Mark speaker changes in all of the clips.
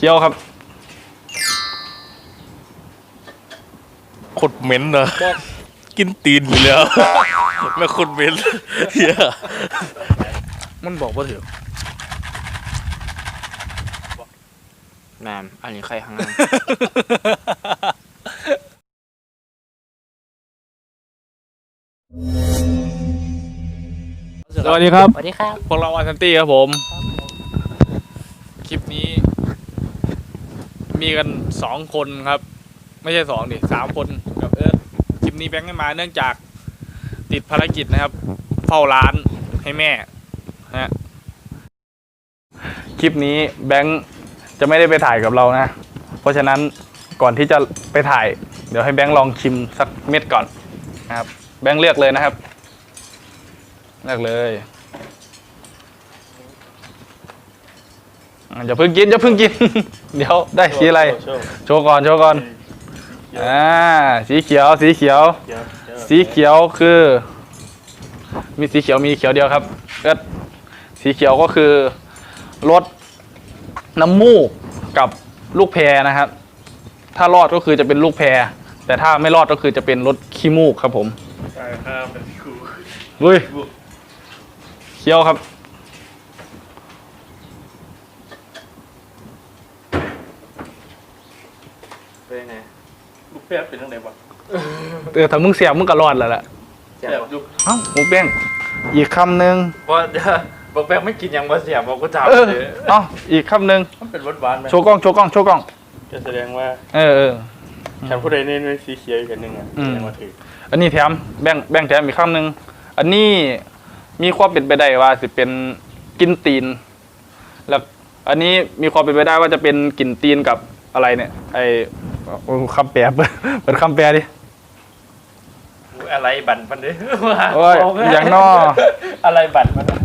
Speaker 1: คี้ยวครับขดเหม็นเหรอกินตีนอยู่แล้วแม่ขดเหม็นเฮียมันบอกว่าถือ
Speaker 2: แมนอันนี้ใครข้างหน้า
Speaker 1: สวัสดีครับ
Speaker 2: สวัสดีครับ
Speaker 1: พวกเราอาซันตี้ครับผมคลิปนี้มีกัน2 คนครับไม่ใช่2ดิ3 คนกับเอิร์ธคลิปนี้แบงค์ไม่มาเนื่องจากติดภารกิจนะครับเฝ้าร้านให้แม่ฮะคลิปนี้แบงค์จะไม่ได้ไปถ่ายกับเรานะเพราะฉะนั้นก่อนที่จะไปถ่ายเดี๋ยวให้แบงค์ลองชิมสักเม็ดก่อนนะครับแบงค์เลือกเลยนะครับเลือกเลยอย่าเพิ่งกิน เดี๋ยวได้สีอะไรโชว์ก่อนสีเขียวคือมีสีเขียวเดียวครับก็สีเขียวก็คือรสน้ำมูกกับลูกแพรนะครับถ้ารอดก็คือจะเป็นลูกแพรแต่ถ้าไม่รอดก็คือจะเป็นรสขี้มูกครับผมใช่ครับเป็นคูเฮ้ยเขียวครับ
Speaker 2: เป็นไง
Speaker 3: ลูกแพรเป็นยังไงวะ
Speaker 1: ถ้ามึงเสียบมึงก็รอดแล้วแหละ
Speaker 3: เสียบอยู่
Speaker 1: เอ้าหมูแป้งอีกคำหนึ่ง
Speaker 2: ว่าบอกแป้งไม่กินยังว่าเสียบอกกูจับเลย
Speaker 1: เอ้าอีกคำหนึ่ง
Speaker 3: มันเป็นหวานไหม
Speaker 1: โชว์กล้อง
Speaker 3: จะแสดงว่าฉันผู้ใดเน้นสีเขียวอีกอันหนึ่งอ่ะแสดงว่าถือ
Speaker 1: อันนี้แถมแบ่งแถมอีกคำหนึ่งอันนี้มีความเป็นไปได้ว่าสิเป็นกินตีนแล้วอันนี้มีความเป็นไปได้ว่าจะเป็นกลิ่นตีนกับอะไรเนี่ยไอคำแปลเปิดคำแปลดิ
Speaker 2: อะไรบั่นมันดิ
Speaker 1: โอ้ยอย่างนอ
Speaker 2: อะไรบั่นมัน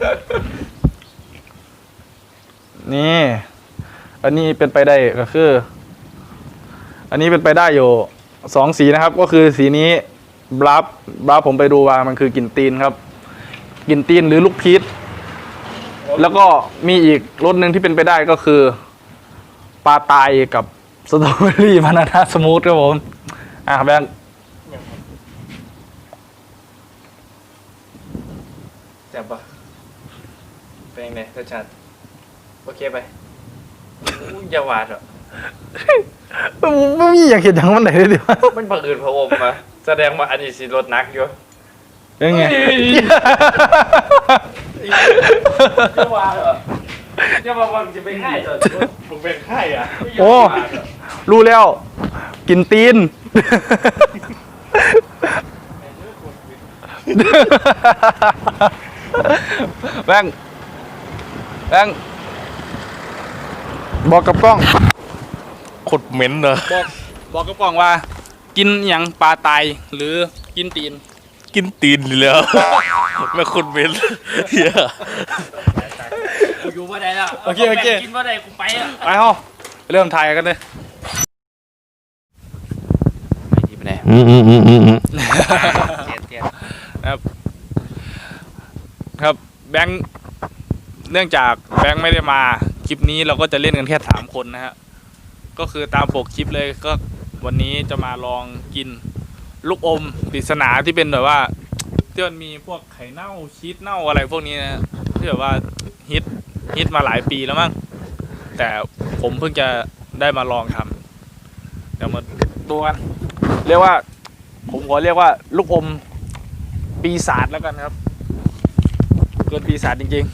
Speaker 1: นี่อันนี้เป็นไปได้ก็คืออันนี้เป็นไปได้อยู่2 สีนะครับก็คือสีนี้บลับผมไปดูว่ามันคือกลิ่นตีนครับกลิ่นตีนหรือลูกพีชแล้วก็มีอีกรสหนึ่งที่เป็นไปได้ก็คือปลาตายกับสตรอเบอรี่บานาน่าสมูทครับผมแบงค์
Speaker 2: แซ่บปะเป็นไงรสชาติโอเคไปอย่าหวานหรอ
Speaker 1: ไม่มีอยากเห็นอย่างมันไหนเลยเดี๋ยว
Speaker 2: มันบังเอิญพระอมมาแสดงว่าอันนี้สิรสนักอยู่
Speaker 1: ยังไง
Speaker 2: จะหวานเหรอจะมาวังจะไปไข่เหรอ
Speaker 3: ผมเป็นไข่อ่ะ
Speaker 1: โอ้รู้แล้วกินตีนแบงบอกกับกล้องขดเหม็นเหรอบอกกับกล้องว่ากินอย่างปลาตายหรือกินตีนอยู่แล้วแม่ขดเหม็นเฮีย
Speaker 2: กูอยู่ว่าได้แล้ว
Speaker 1: โอเค
Speaker 2: กินว่าได้กูไปอ่ะ
Speaker 1: ไปห้องเริ่มถ่ายกันเลย
Speaker 2: ไม่ดีไปไหน
Speaker 1: ครับแบงค์เนื่องจากแบงค์ไม่ได้มาคลิปนี้เราก็จะเล่นกันแค่3 คนนะฮะก็คือตามปกคลิปเลยก็วันนี้จะมาลองกินลูกอมปริศนาที่เป็นแบบว่าที่มันมีพวกไข่เน่าชีสเน่าอะไรพวกนี้นะที่แบบว่าฮิตมาหลายปีแล้วมั้งแต่ผมเพิ่งจะได้มาลองทำเดี๋ยวมาดูกันเรียกว่าผมขอเรียกว่าลูกอมปีศาจแล้วกันครับเกินปีศาจจริง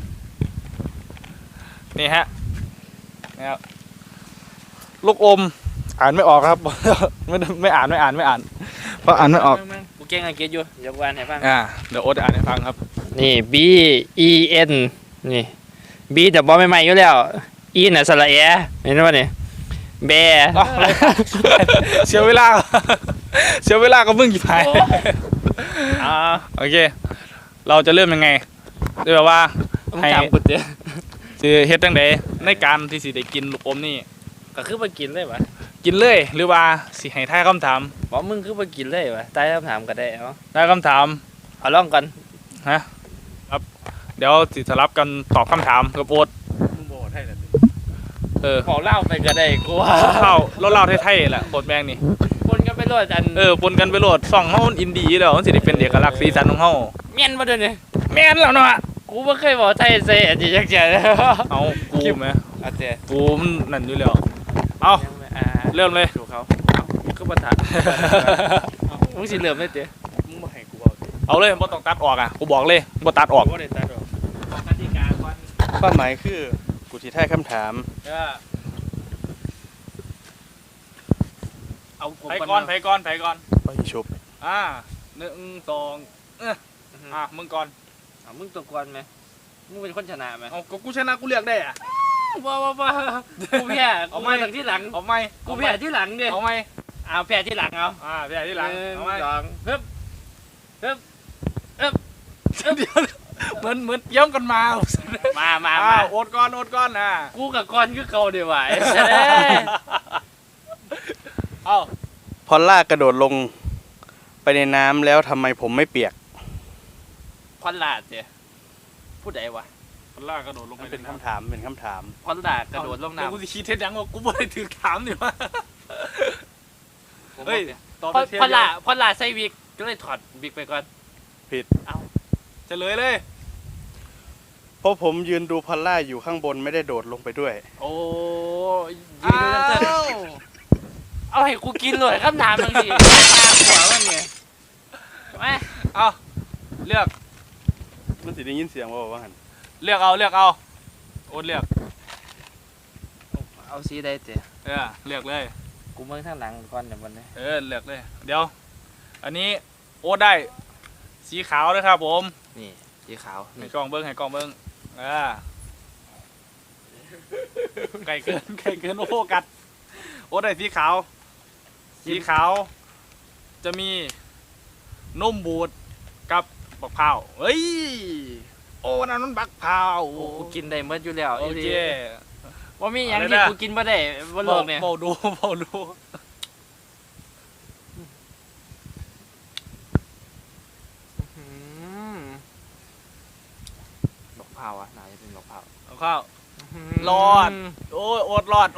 Speaker 1: ๆนี่ฮะนะครับลูกอมอ่านไม่ออกครับไม่อ่านเพราะอ่านไม่ออก
Speaker 2: กูเก่งอังกฤษอยู่เดี๋ยวกูอ่านให้ฟัง
Speaker 1: เดี๋ยวโอ๊ตอ่านให้ฟังครับ
Speaker 2: นี่ B E N นี่ B แต่บอไม่ใหม่อยู่แล้ว E น่ะสระแอเห็นไหมนี่แบ
Speaker 1: เสียเวลาก็มึงหยิบไปโอเคเราจะเริ่มยังไงเรียกว่าให้เฮ็ดตั้งแต่ในการที่สิได้กินลูกอมนี่
Speaker 2: ก็คือมากินเลยวะ
Speaker 1: กินเลยหรือว่าสิให้ทายคำถาม
Speaker 2: บอกมึงคือมากินเลยวะทายคำถามก็ได้เนาะ
Speaker 1: ทายคำถาม
Speaker 2: เอาลองกัน
Speaker 1: ครับเดี๋ยวสิสลับกันตอบคำถามกับโอ๊ต
Speaker 3: มึงบอกให้เลย
Speaker 2: ขอเล่าไปก็ได้กูว่า
Speaker 1: เราเล่าไทยๆแหละโคตรแบงนี่
Speaker 2: คนกันไปโลดอัน
Speaker 1: ปนกันไปโหลดส่องเฮาอินดีแล้วมันสิได้เป็นเอกลักษณ์สีสันของเฮา
Speaker 2: เมียนมาด้วยเนี่ย
Speaker 1: แม่นแล้วเนาะ
Speaker 2: กูไม่เคยบอกไทยเซ่อันนี้จักเจอ
Speaker 1: เอากูแม่
Speaker 2: อาเจ
Speaker 1: กูมันนั่นอยู่แล้วเอาเริ่มเลย
Speaker 2: ถูกเขาก็ประทัดมึงสิเริ่มได้เจ๊
Speaker 3: มึงมาให้กูเอาดิ
Speaker 1: เอาเลยบ่ต้องตัดออกอ่ะกูบอกเลยบ่ตัดออก
Speaker 3: ว่าได้ตัดหรอก
Speaker 2: กติกาก่อน
Speaker 3: ความหมายคือกูสิทายคำถาม
Speaker 2: เอา
Speaker 1: ไผก่อนไผก่อนไผก่อน
Speaker 3: ไปชุบ
Speaker 1: 1 2มึงก่อน
Speaker 2: มึงตัวก่อนไหมมึงเป็นคนชนะไหม
Speaker 1: เอากูชนะกูเลือกได้อ่ะ
Speaker 2: ว้ากูแพ้
Speaker 1: เอา
Speaker 2: กู
Speaker 1: ไหม
Speaker 2: มาจากที่หลัง
Speaker 1: เอาไหม
Speaker 2: กูแพ้ที่หลังดิ
Speaker 1: เอาไหม
Speaker 2: เอาแพ้ที่หลังเอา
Speaker 1: แพ้ที่หลัง
Speaker 2: หนึ่
Speaker 1: เอาไหม
Speaker 2: สองฮึบ
Speaker 1: เดี๋ยวเหมือนเตรียมกันมา
Speaker 2: มา
Speaker 1: โอดก่อนนะ
Speaker 2: กูกับก้อนคือเขาเดี๋ยวไหว
Speaker 1: เอา
Speaker 3: พอลล่ากระโดดลงไปในน้ำแล้วทำไมผมไม่เปียก
Speaker 2: พอนลาดเจ้พูดไดวะ
Speaker 1: มันลากกระโดดลงไป
Speaker 3: มันเป็นคำถามเป็นคำถาม
Speaker 2: พอนลาดกระโดดลงน้ำ
Speaker 1: กูสิคิดเท็จยังว่ากูบ่ได้ถือถามนี่วะเฮ้ยตอบ
Speaker 2: พ
Speaker 1: ไปเทีย
Speaker 2: อนลาดใส่วิกก็เลยถอดวิกไปก่อน
Speaker 3: ผิด
Speaker 1: เฉลยเลย
Speaker 3: เพราะผมยืนดูพอลล่าอยู่ข้างบนไม่ได้โดดลงไปด้วย
Speaker 2: โอ้ยยืนดูน้ำเต้นเอาให้กูกินเลยคำถามบางทีตาหัวมันไงไม่
Speaker 1: เอาเลือก
Speaker 3: มันสิได้ยินเสียงว่าหัน
Speaker 1: เลือกเอาโอ๊ตเลือก
Speaker 2: เอาสีได้เจ้
Speaker 1: เลือกเลย
Speaker 2: กูเมื่อข้างหลังก่อนเดี๋ยววันนี้
Speaker 1: เลือกเลยเดี๋ยวอันนี้โอ๊ตได้สีขาวด้วยครับผม
Speaker 2: นี่สีขาว
Speaker 1: ให้กล้องเบิ้งไก่เกินโอ้โฟกัสโอ๊ตได้สีขาวจะมีนมบูดกับบักพร้าวเฮ้ยโอ้นั่นมันบักพร้าว
Speaker 2: โอ้กูกินได้เมื่ออยู่แล้ว
Speaker 1: โอเค
Speaker 2: ว่ามีอย่างที่กูกินมาได้บนโลกเนี่ย
Speaker 1: เบาดู
Speaker 2: บักพร้าวอ่ะน่าจะเป็นบักพร้าว
Speaker 1: เอาข้าว รอด โอ้ยโอ๊ตรอด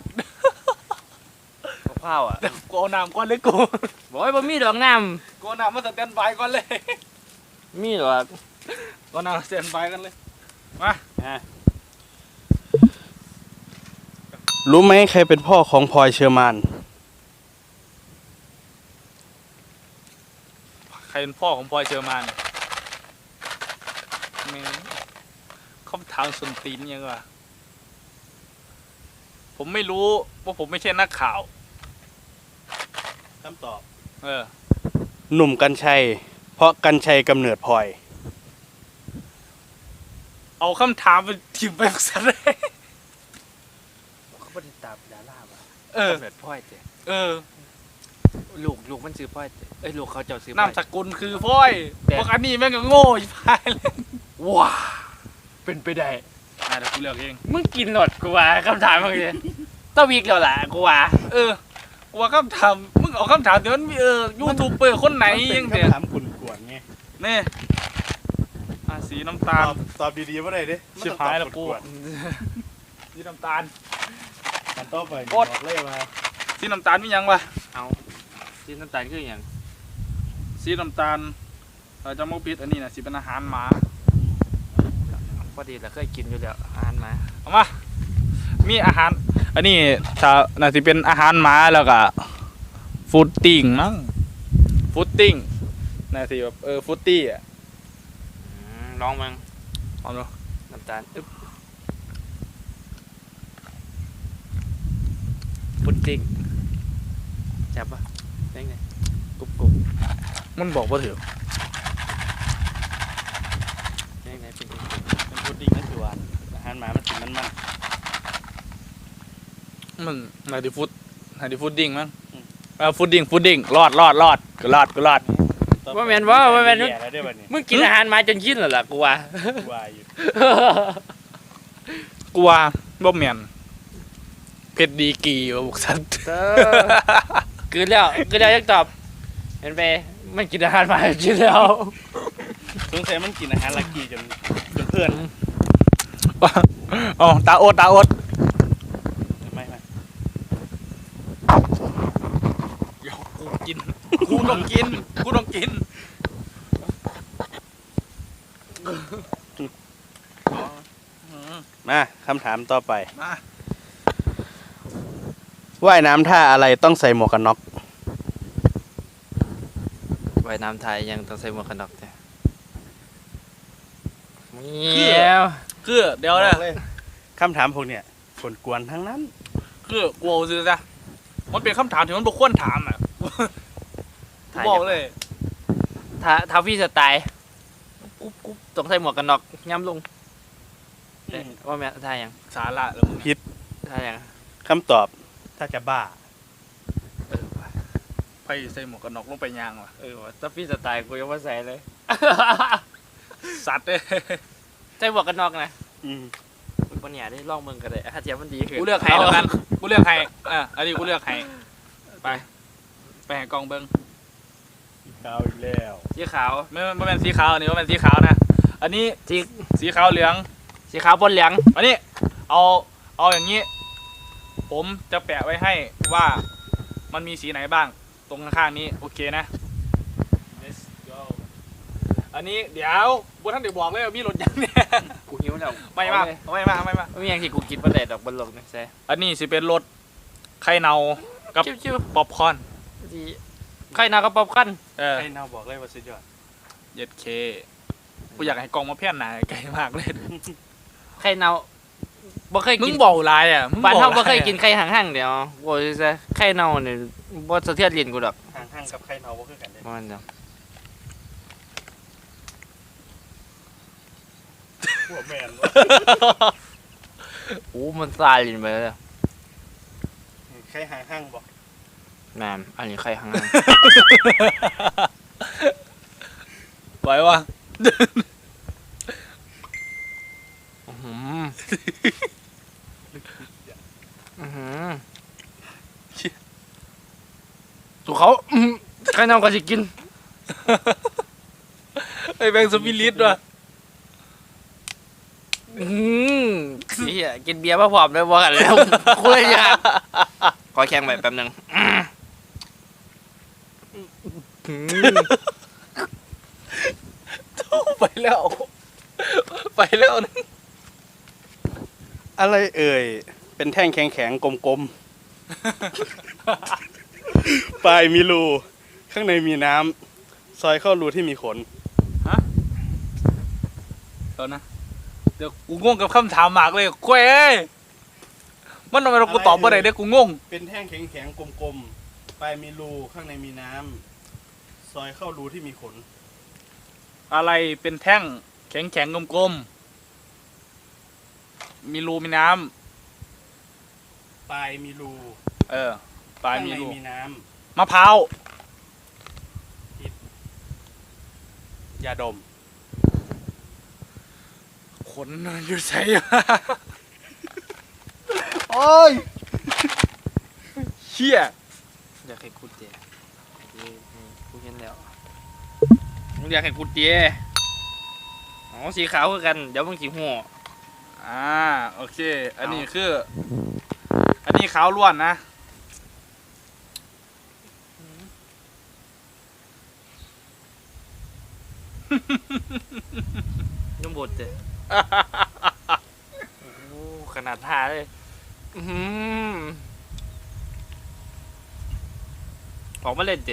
Speaker 2: บักพร้าวอ่ะ
Speaker 1: เดี๋ยวกูเอาน้ำก่อนเลยกู
Speaker 2: บอกว่าบ่มีดอกน้
Speaker 1: กูเอาน้ำมาสแตนบายก่อนเลย
Speaker 2: ำมีดอก
Speaker 1: กูเอาน้ำมาสแตนบายกันเลยมา
Speaker 3: รู้ไหมใครเป็นพ่อของพลอยเชอร์มาน
Speaker 1: ใครเป็นพ่อของพลอยเชอร์มานแม่งคำถามสุนตีนยังวะผมไม่รู้ว่าผมไม่ใช่นักข่าว
Speaker 3: คำตอบ
Speaker 1: ห
Speaker 3: นุ่มกัญชัย เพราะกัญชัยกำเนิดพลอย
Speaker 1: เอาคำถามไปถิ่มไปซะเลย
Speaker 2: เขาบ่ได้ตามดาราป่ะ
Speaker 1: เออ
Speaker 2: กำเนิดพ่อยเจ้ ลูกมันซื้อพ่อยเจ้เอ้ยลูกเขาเจ้าซื้อพ่อย
Speaker 1: นามสกุลคือพลอย
Speaker 2: แต่
Speaker 1: พวกอันนี้แม่งก็โง่อีพายเลย
Speaker 2: ว้าเป็นไปได้
Speaker 1: เดี๋ยวกูเลือกเอง
Speaker 2: มึงกินหนดกูว่าคำถามมึงเลยต้องวิกแล้วล่ะกูว่า
Speaker 1: กูว่าคำถามมึงเอาคำถามเดี๋ยวมันมียูทูบเบอร์คนไหนยังเดี๋ยว
Speaker 3: คำถามกุนกวนไง
Speaker 1: นี่สีน้ำตาล
Speaker 3: ตอบดีๆว่าไรดิ
Speaker 1: ชิบหายแล้วกู สีน้ำตาล
Speaker 3: มันต้องไป
Speaker 1: โอ๊ต
Speaker 3: บอกเลยมา
Speaker 1: สีน้ำตาลมียังวะ
Speaker 2: เอาที่น้ำตาลคืออย่าง
Speaker 1: สีน้ำตาลจะมกปิดอันนี้นะสิเป็นอาหารหมา
Speaker 2: พอดีเราเคยกินอยู่แล้วอาหารมา
Speaker 1: เอามามีอาหาร อันนี้ถ้าน่าสิเป็นอาหารหมาแล้วก็ฟูดติ้งมั้งฟูดติ้งน่าสิแบบฟูดตี้อ่ะ
Speaker 2: ลองมั้ง
Speaker 1: เอาดู
Speaker 2: น้ำตาลอึ๊บพุดดิ้งจับปะได้ไงกรุบกรุบ
Speaker 1: มันบอกว่าถือ
Speaker 2: ได้ไงเป็นกรุบ
Speaker 3: เป็นพุดดิ้งนั่นคือหวานอาหารหมามันกินมัน
Speaker 1: มันน่าสิฟูดดิ้งมั้งฟูดดิ้งรอดก็รอด
Speaker 2: ว่าแมนว่าแมน
Speaker 3: แย่แล้วได้บัดนี้
Speaker 2: มึงกินอาหารมาจนยินเหรอล่ะกูว่า
Speaker 3: วายอยู่
Speaker 1: กลัวบ่แม่นเพชรดีกีว่าบุกสัน
Speaker 2: คืนแล้วยังตอบเห็นไปมันกินอาหารมาจนยินแล้ว
Speaker 3: สงสัยมันกินอาหารลักกี้จนเพื่อน
Speaker 1: อ๋อตาโอดกิน กูต้องกิน กูต้องกิน
Speaker 3: มาคำถามต่อไป
Speaker 1: มา
Speaker 3: ว่ายน้ำท่าอะไรต้องใส่หมวกกันน็อก
Speaker 2: ว่ายน้ำไทยยังต้องใส่หมวกกันน็อกจ้ะเมี
Speaker 1: คือ
Speaker 2: ยว
Speaker 1: คือเดี๋ยวนะ
Speaker 3: คำถามพวกเนี่ยกวนๆทั้งนั้น
Speaker 1: คือกูเอาซื้อจ้ะมันเป็นคำถามที่มันบ่ควรถามอ่ะกูบอกเลย
Speaker 2: ถ้าพี่สไตล์กุ๊บต้องใส่หมวกกันน็อกย้ำลงเอ๊ะว่าแม่ท่ายัง
Speaker 1: สาระแล้วมึง
Speaker 2: ท่ายัง
Speaker 3: คำตอบถ้าจะบ้า
Speaker 2: ว่ะ
Speaker 1: ไปใส่หมวกกันน็อกลงไปยางว่ะ
Speaker 2: ว่ะถ้าพี่สไตล์กูยังไม่ใส่เลย
Speaker 1: สัตว์เอ้ย
Speaker 2: ใส่หมวกกันน็อกนะ
Speaker 3: อืม
Speaker 2: บนเนี่ยได้ลองมึงกันเลยถ้าเจี๊ยบมันดีขึ้น
Speaker 1: กูเลือกให้แล้วกัน กูเลือกให้อันนี้กูเลือกให้ไปให้กองเบิ้ง
Speaker 3: ขาวอีกแล้ว
Speaker 2: สีขาว
Speaker 1: ไม่เป็นสีขาวอันนี้ไม่เป็นสีขาวนะ อันนี้
Speaker 2: สี
Speaker 1: สีขาวเหลือง
Speaker 2: สีขาวบนเหลือง
Speaker 1: อันนี้เอาอย่างนี้ ผมจะแปะไว้ให้ว่ามันมีสีไหนบ้าง ตรงข้างๆนี้โอเคนะ Let's go อันนี้เดี๋ยวบุท่านเดี๋ยวบอกเลยว่ามีรถยังเนี่ย
Speaker 2: กูหิวแล้ว
Speaker 1: ไม่มาไม่มา
Speaker 2: ไม่มีอย่างที่กูกินประเด็ดดอกบนโลกนะแซ่
Speaker 1: อันนี้สิเป็นรถไข่เนากับ
Speaker 2: ชิว
Speaker 1: ป๊อปคอร์น
Speaker 2: ๆที่ใครนาก็ป๊อปกัน
Speaker 3: ให้เนาบอกเลยว่าสุดยอด
Speaker 1: เย็ดเคกูอยากให้กองมาเพี้ยนหนาไกลมากเลย
Speaker 2: ใครนาบ่เคย
Speaker 1: มึ
Speaker 2: กิ
Speaker 1: ง
Speaker 2: น
Speaker 1: บอกลายอ่ะมึง
Speaker 2: บ้าน
Speaker 1: บอก
Speaker 2: เฮาบ่
Speaker 1: ลาย
Speaker 2: เคยกินไข่ห่างๆเดี๋ยวโว้ยซะไข่เน่าเนี่ยบ่สะเทือนลิ้นกูดอก
Speaker 3: ห่างๆกับใครเนาบ่คือกันเด้
Speaker 2: มันจัง
Speaker 3: พวกแมน
Speaker 2: โอ้มันซาลิ้นไปแล้ว
Speaker 3: ใครห่างๆบอก
Speaker 2: แม่นอันนี้ไข่ห่าง
Speaker 1: ไหววะ
Speaker 2: อื้อหืออื้อหือสู่เขาไข่เน่าก็สิกิน
Speaker 1: ไอ้แบงค์สปิริตว่ะ
Speaker 2: เฮียกินเบียร์มาพร้อมเลยบ่กันแล้วคุยยากขอแข่งไปแป๊บนึง
Speaker 1: ไปแล้ว ไปแล้วนะ
Speaker 3: อะไรเอ่ยเป็นแท่งแข็งๆกลมๆ ปลายมีรูข้างในมีน้ำซอยเข้ารูที่มีขน
Speaker 1: เดี๋ยวนะเดี๋ยวกูงงกับคำถามมากเลยคุยเอ้ยมันทำไมเรากูตอบบ่ได้เด้อกูงง
Speaker 3: เป็นแท่งแข็งๆกลมๆปลายมีรูข้างในมีน้ำซอยเข้ารูที่มีขน
Speaker 1: อะไรเป็นแท่งแข็งๆกลมๆมีรูมีน้
Speaker 3: ปลายมีรู
Speaker 1: ำปลาย
Speaker 3: ข้าง
Speaker 1: มี
Speaker 3: ใน
Speaker 1: รู
Speaker 3: มีน้
Speaker 1: มะพร้าว
Speaker 3: ำยาดม
Speaker 1: ขนอยู่ใส่
Speaker 3: โอ้ย
Speaker 1: เชี่ย
Speaker 2: อยากให้กูเจกูเห็นแล้วมึงอยากให้กูเจอ๋อสีขาวคือกันเดี๋ยวมึงสิหัว
Speaker 1: โอเค อันนี้คือ อันนี้ขาวล้วนนะ
Speaker 2: นุ่มบดเจโอ้ขนาดท่าเลยออกมาเล่นเจ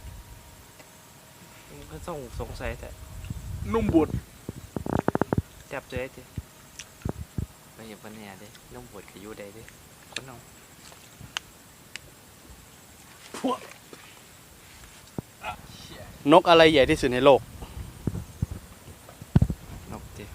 Speaker 2: มึงก็ต้องสงสัยแต่
Speaker 1: นุ่มบุด
Speaker 2: จับเจ๊เจไม่เห็นปัญหาเด้นุ่มบดกับยูได้เด้คนน้อง
Speaker 3: นกอะไรใหญ่ที่สุดในโลก
Speaker 2: นกเจ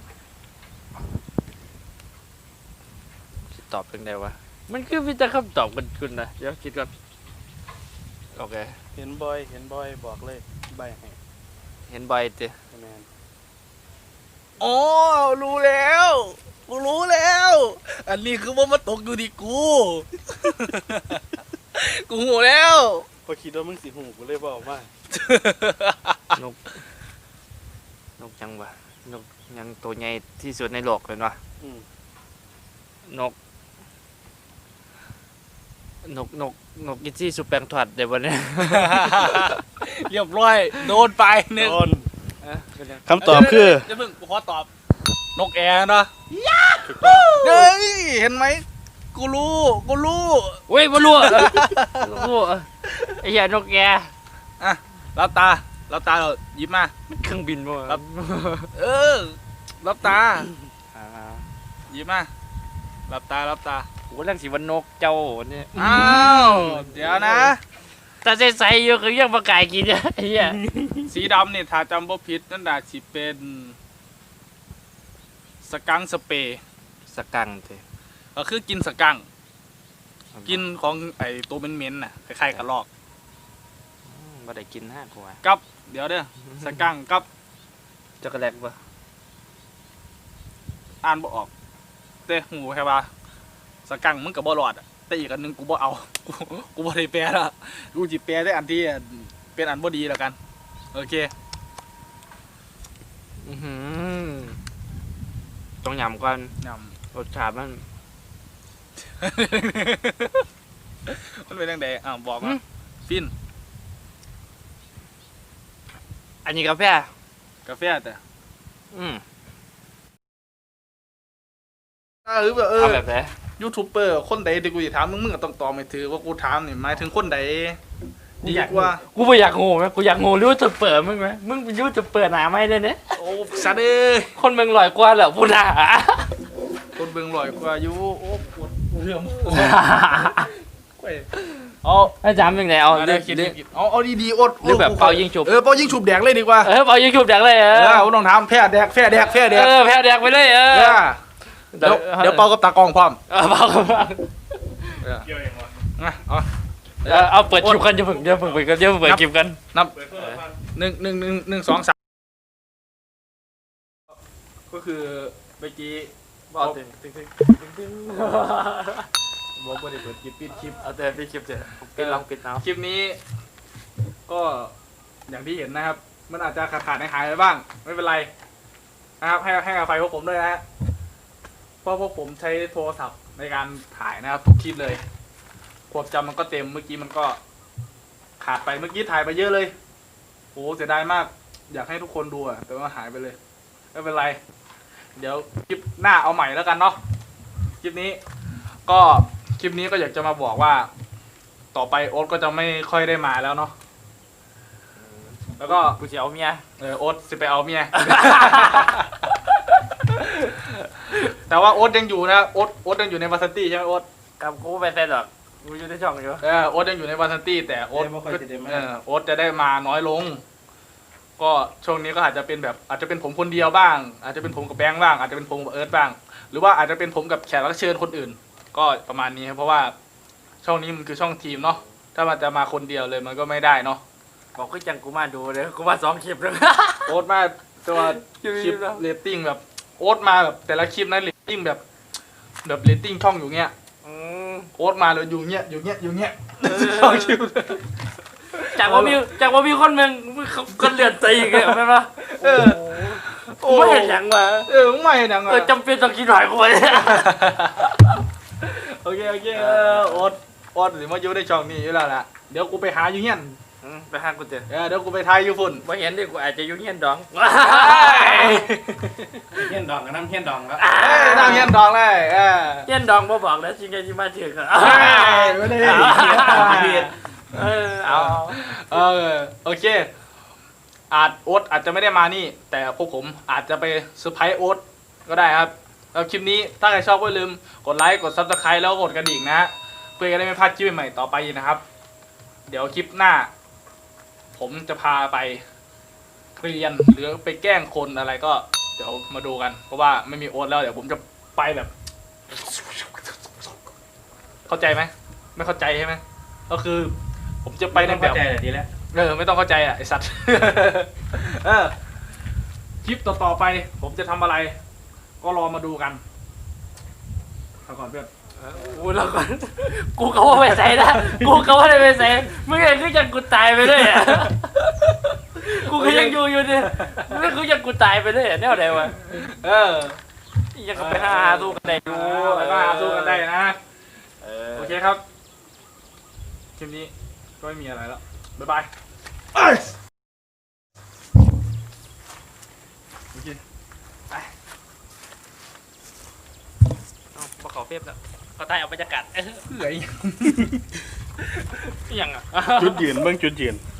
Speaker 2: สิตอบเป็นไงวะมันคือวิจารณ์คำตอบกันคุณนะเดี๋ยวคิดก่อนโอเค
Speaker 3: เห็นบ่อยบอกเลยใบให้
Speaker 2: เห็นบ่อยเจ
Speaker 3: คะแนน
Speaker 1: อ๋อรู้แล้วกูรู้แล้ว อันนี้คือว่ามาตกอยู่ที่กู กูหูแล้ว
Speaker 3: พอคิดว่ามึงสิหูกูเลยบอกว่า
Speaker 2: นกยังวะนกยังตัวใหญ่ที่สุดในโลกเลยวะ
Speaker 3: อืม
Speaker 2: นกนกกินซี่สุดแปลงถอดเดี๋ยววันนี้
Speaker 1: เรียบร้อยโดนไปหนึ่ง
Speaker 3: โดน
Speaker 2: เป็นยัง
Speaker 3: คำตอบคือ
Speaker 1: จะมึงกูขอตอบนกแอร์เนาะเฮ้ยเห็นไหมกูรู้
Speaker 2: เว้ยมาลู่ลู่ไอ้เหี้ยนกแก
Speaker 1: อ่ะรับตาเราหยิบมา
Speaker 2: มันเครื่องบินมั้ง
Speaker 1: ครับ เออรับตาหยิบมารับตา
Speaker 2: กูเรื่องสีวันนกเจ้าเนี่ย
Speaker 1: อ้าวเดี๋ยวนะ
Speaker 2: แต่ใส่อยู่คือยังประกายกินเนี่ยไอ้เหี้ย
Speaker 1: สีดำเนี่ยถ้าจำบ่ผิดนั่นน่ะสิเป็นสกังสเปรย์
Speaker 2: สกังเถอะ
Speaker 1: ก็คือกินสกังกินของไอ้ตัวเหม็นๆน่ะคล้ายๆกับลอก
Speaker 2: มาได้กินห้ากู
Speaker 1: กับเดี๋ยวเด้อสกังกับ
Speaker 2: ช็อกโกแลตปะ
Speaker 1: อ่านบ่ออกแต่หูแค่ว่าสกังมึงก็บ่รอดอะแต่อีกอันหนึงกูบ่เอา กูบ่ได้แปลละกูสิแปลได้อันที่เป็นอันบ่ดีแล้วกันโอเค
Speaker 2: ต้องยำก่อน
Speaker 1: น
Speaker 2: รสชาติมัน
Speaker 1: ำ มันเป็นจังไดบอกมาฟิน
Speaker 2: อันนี้กาแฟ
Speaker 1: กาแฟแต่
Speaker 2: อืม
Speaker 1: หรือแบบ
Speaker 2: เอาแบบไหน
Speaker 1: ยูทูบเบอร์คนใดที่กูจะถามมึงก็ต้องตอบไม่ถือว่ากูถามนี่หมายถึงคนใดดีกว่า
Speaker 2: กูไม่อยากโง่ไหมกูอยากโง่รู้จะเปิดมึงไหมมึงเป็นยูจะเปิดหนาไหมเนี่ย
Speaker 1: โอ้สัตว์เอ้ย
Speaker 2: คนเมืองลอยกว่าเหรอพูดหนา
Speaker 1: คนเบิ่งลอยกว่าอยู่โอ้ปวดเรื่องเอา
Speaker 2: อาจารย์เป็นไงเอา
Speaker 1: เอา
Speaker 2: เรื่
Speaker 1: เรื่
Speaker 2: อ
Speaker 1: อง งคิดเอาดีๆอด
Speaker 2: หรือแบบเป่ายิงฉุบ
Speaker 1: เป่ายิงฉุบแดกเลยดีกว่า
Speaker 2: เป่ายิงฉุบแดกเลย
Speaker 1: ผมต้องถามแพ้แดกแพ้แดก
Speaker 2: แพ้แดกไปเลย
Speaker 1: เดี๋ยวเป่ากับตากล้องพร้อม
Speaker 2: เป่ากับ
Speaker 3: เกี่ยวเองวะ
Speaker 1: นะเอา
Speaker 2: เอาเปิดคลิปกันเดี๋ยวเปิดคลิปกัน
Speaker 1: นับ
Speaker 3: เปิดเพื่อฟัง
Speaker 1: 1 2 3ก็คือเมื่อกี้
Speaker 2: บอกถึง
Speaker 1: บอกว่าได้เปิดคลิปปิดคลิป
Speaker 2: เอาแต่พี่คลิปเถอะปิดลองปิดเอา
Speaker 1: คลิปนี้ก็อย่างที่เห็นนะครับ มันอาจจะขาดหายไปบ้าง ไม่เป็นไรนะครับให้อภัยพวกผมด้วยนะฮะเพราะพวกผมใช้โทรศัพท์ในการถ่ายนะครับทุกคลิปเลยความจำมันก็เต็มเมื่อกี้มันก็ขาดไปเมื่อกี้ถ่ายไปเยอะเลยโหเสียดายมาก อยากให้ทุกคนดูอะแต่ว่าหายไปเลยไม่เป็นไร เดี๋ยวคลิปหน้าเอาใหม่แล้วกันเนาะคลิปนี้ก็อยากจะมาบอกว่า ต่อไปโอ๊ตก็จะไม่ค่อยได้มาแล้วเนาะแล้วก็
Speaker 2: กูจะเอาเมีย
Speaker 1: โอ๊ตสิไปเอาเมีย แต่ว่าโอ๊ตยังอยู่นะโอ๊ตยังอยู่ในวาซันตี้ใช่ไหมโอ๊ต
Speaker 2: กับกูไปเซ็นหรอกกูอยู่ในช่องอยู่
Speaker 1: โอ๊ตยังอยู่ในวาซันตี้แต่โอ๊ตโอ๊ตจะได้มาน้อยลง ก็ช่วงนี้ก็อาจจะเป็นแบบอาจจะเป็นผมคนเดียวบ้าง อาจจะเป็นผมกับแบงค์บ้างอาจจะเป็นผมกับเอิร์ธบ้าง หรือว่าอาจจะเป็นผมกับแขกรับเชิญคนอื่น ก็ประมาณนี้ครับเพราะว่าช่องนี้มันคือช่องทีมเนาะถ้ามันจะมาคนเดียวเลยมันก็ไม่ได้เนาะ
Speaker 2: บอกก็จังกูมาดูเลยกูมา2 คลิปเลย
Speaker 1: โอ๊ตมาตัวคลิปเรตติ้งแบบโอ๊ตมาแบบแต่ละคลิปนั้นเรตติ้งแบบเรตติ้งช่องอยู่เงี้ยโอ๊ตมาเลยอยู่เงี้ยช่องคลิป
Speaker 2: จากว่ามีคนเมืองคนเลือดใจอีกเลยใช่ปะไม่เห็นอย่างวะ
Speaker 1: มึงไม่เห็นยังไง
Speaker 2: จำเป็นต้องกินหน่อยคน
Speaker 1: โอเคโอ๊ตหรือมาอยู่ในช่องนี้อยู่แล้วล่ะเดี๋ยวกูไปหาอยู่เงี้ย
Speaker 2: ไปหากูเถอะ
Speaker 1: เดี๋ยวกูไปทายอยู่ฝุ่น
Speaker 2: ไม่เห็นดิกูอาจจะยุ่งเงี้ยดอง
Speaker 3: เฮี้ยนดองกับน้ำเฮี้ยนดองแล้ว
Speaker 1: นั่งเงี้ยดองเลย
Speaker 2: เงี้ยดองมาบอกแล้วจริงๆที่มาถึงอะ
Speaker 1: ไม่ได้โอเคโอ๊ตอาจจะไม่ได้มานี่ แต่พวกผมอาจจะไปเซอร์ไพรส์โอ๊ตก็ได้ครับแล้วคลิปนี้ถ้าใครชอบก็อย่าลืมกดไลค์กด Subscribe แล้วกดกระดิ่งนะฮะเพื่อจะได้ไม่พลาดคลิปใหม่ๆต่อไปนะครับ เดี๋ยวคลิปหน้า ผมจะพาไปเรียนหรือไปแกล้งคนอะไรก็เดี๋ยวมาดูกัน เพราะว่าไม่มีโอ๊ตแล้วเดี๋ยวผมจะไปแบบ เข้าใจไหมไม่เข้าใจใช่ไหมก็คือ ผมจะไปในแบบ
Speaker 3: ใจแต่ดีแล้ว
Speaker 1: ไม่ต้องเข้าใจอ่ะไอสัตว์ คลิปต่อไป ผมจะทำอะไร ก็รอมาดูกันเอาก่อนเพื่อน
Speaker 2: กูแล้วก่อนกูก็ว่าไม่ใส่นะกูก็ว่าไม่ใส่มึงเองก็ยังกูตายไปเลยอ่ะกูก็ยังอยู่ดิมึงก็ยังกูตายไปเลยแนวไหนวะยังไปหาสู้กันได้ดู
Speaker 1: แล้วก็หาสู้กันได้นะโอเคครับคลิปนี้ก็ไม่มีอะไรแล้วบ๊ายบายโอเคไปเอาปลาขอเฟียบแล้ว
Speaker 2: เขาใต้เอาบรรยากาศ
Speaker 1: เผื่ออีกอย่างอ่ะ
Speaker 3: จุดยืนเบื้องจุดยืน